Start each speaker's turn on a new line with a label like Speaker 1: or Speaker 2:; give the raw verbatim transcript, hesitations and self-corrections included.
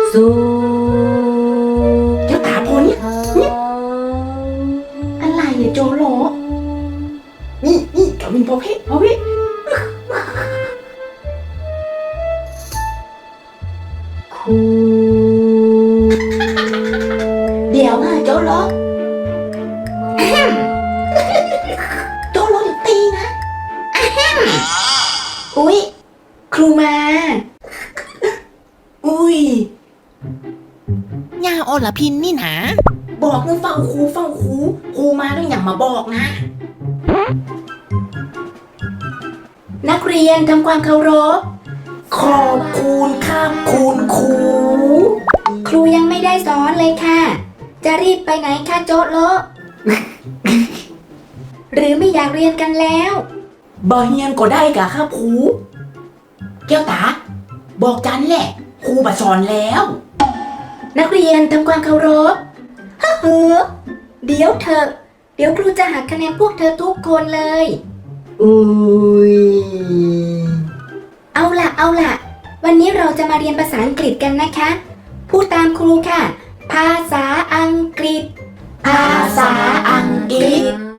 Speaker 1: สุ
Speaker 2: เจ้าตาพอนี่อะไรเนี่ยโจโลนี่นี่กวินพอเพพอเพ
Speaker 1: คู
Speaker 2: เดี๋ยวนะโจโลโจโลเดี๋ยวตีนะอุ๊ยครูมาอุ๊ย
Speaker 3: ยาอลพินนี่นะ
Speaker 2: บอกมึงเฝ้าครูเฝ้าครูครูมาต้องอย่างมาบอกนะนักเรียนทำความเคารพขอบคุณครับคุณครูครูยังไม่ได้สอนเลยค่ะจะรีบไปไหนคะโจ๊ะโล หรือไม่อยากเรียนกันแล้วบ่เฮียนก็ได้กะครับครูแก้วตาบอกจันแหละครูมาสอนแล้วนักเรียนทำความเคารพเฮ้อเดี๋ยวเถอะเดี๋ยวครูจะหักคะแนนพวกเธอทุกคนเลยอุ้ยเอาล่ะเอาล่ะวันนี้เราจะมาเรียนภาษาอังกฤษกันนะคะพูดตามครูค่ะภาษาอังกฤษภาษาอังกฤษ